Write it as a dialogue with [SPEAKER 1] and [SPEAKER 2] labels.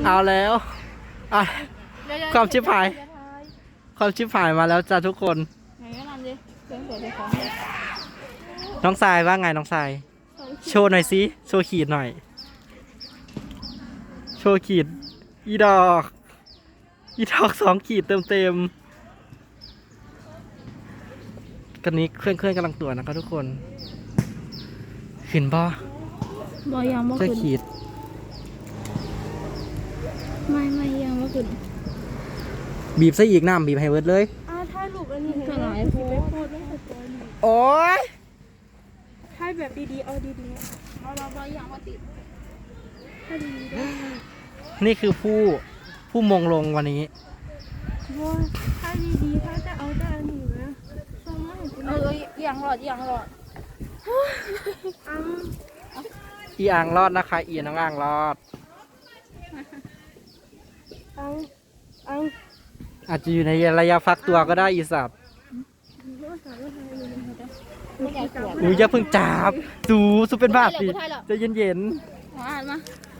[SPEAKER 1] เอาแล้วอ่ะความชิบหายความชิบหายมาแล้วจ้าทุกคน
[SPEAKER 2] ไหนก็นำดิเสียงเปิดของเลย
[SPEAKER 1] น้องทรายว่าไงน้องทรายโชว์หน่อยสิโชว์ขีดหน่อยโชว์ขีดอีดอก2 ขีดเต็มกันนี้เครื่องกำลังตรวจนะครับทุกคนขึ้นบ่
[SPEAKER 2] บอยังบ่
[SPEAKER 1] เจ้า
[SPEAKER 2] ขึ้น
[SPEAKER 1] ขีด
[SPEAKER 2] ไม่ยังบ่ขึ้น
[SPEAKER 1] บีบซะอีกน้ำบีบให้เวิร์ดเลย
[SPEAKER 3] ถ่ายรูปอันนี้
[SPEAKER 2] ก็หลายโพ
[SPEAKER 3] ไป
[SPEAKER 2] ส
[SPEAKER 3] โพสต์ไม่สตอรี่
[SPEAKER 1] โอ้ย
[SPEAKER 3] ถ่ายแบบดีๆเอาดี
[SPEAKER 2] เรายังบ่ติด
[SPEAKER 3] ๆถ่ายดีๆด้วย
[SPEAKER 1] นี่คือผู้มงลงวันนี้
[SPEAKER 3] ว่าถ่ายดีๆถ่ายแต่เอาแต่อันนี้นะส่งมาให้กู
[SPEAKER 2] ยังหลอด
[SPEAKER 3] เอา
[SPEAKER 1] อีอ่างรอดนะคะอีน้องอ่างรอด
[SPEAKER 3] เอา
[SPEAKER 1] อาจจะอยู่ในระยะฟักตัวก็ได้อีสัตว์
[SPEAKER 2] ไม่อยากตรวจ
[SPEAKER 1] อุ้ยอย่าเพิ่งจับสูเป็นบาปสิใจะเย็น
[SPEAKER 2] มาอ่านมา
[SPEAKER 1] ๆ